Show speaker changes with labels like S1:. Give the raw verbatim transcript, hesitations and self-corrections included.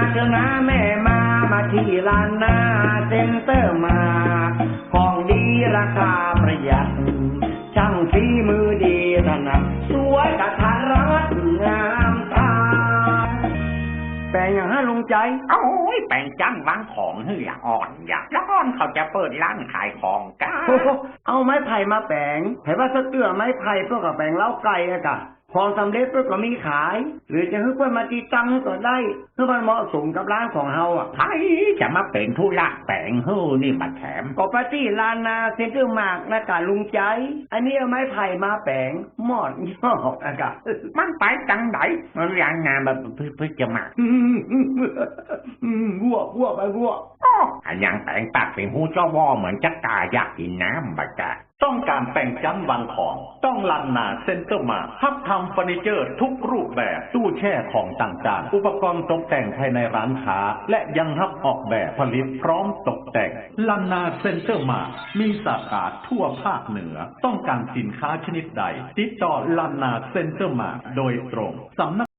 S1: เถอะนะแม่มามาที่ลานนาเซ็นเตอร์มาของดีราคาประหยัดช่างฝีมือดีถนัดสวยกระทันรัดงามตาแปลงอย่างห้าลงใจ
S2: โอ้ยแปลงจังวางของเหืออ่อนอยากแล้วอ่อนเขาจะเปิดร้านขายของกัน
S1: เอาไม้ไผ่มาแปลงไผ่ว่าสะเตื้อไม้ไผ่เพื่อกับแปลงเล้าไก่อะกะพอสำเร็จเพื่อก็มีขายหรือจะให้เพื่อนมาตีตังก็ได้เพื่อมันเหมาะสมกับร้านของเฮาอ่ะ
S2: ใครจะมาเป็นธุระแปลงเฮ้นี่มาแถม
S1: ก็ปาร์ตี้ลานนาเซ็นเตอร์มากนะกะลุงใจอันนี้เอาไม้ไผ่มาแปลงหมอดย่ออะกะ
S2: มันไปจังไหนมันยางงานมาเพื่อจะมา
S1: วัววัวไปวัว
S2: อันยังแปลงปากเป็นหูเจ้าวอเหมือนจะกาอยากกินน้ำบักกะ
S3: ต้องการแปลงจันวางของต้องลันนาเซ็นเตอร์มาทับทำเฟอร์นิเจอร์ทุกรูปแบบตู้แช่ของต่างๆอุปกรณ์ตกแต่งภายในร้านค้าและยังรับออกแบบผลิตพร้อมตกแต่งลันนาเซ็นเตอร์มามีสาขาทั่วภาคเหนือต้องการสินค้าชนิดใดติดต่อลันนาเซ็นเตอร์มาโดยตรงสำนัก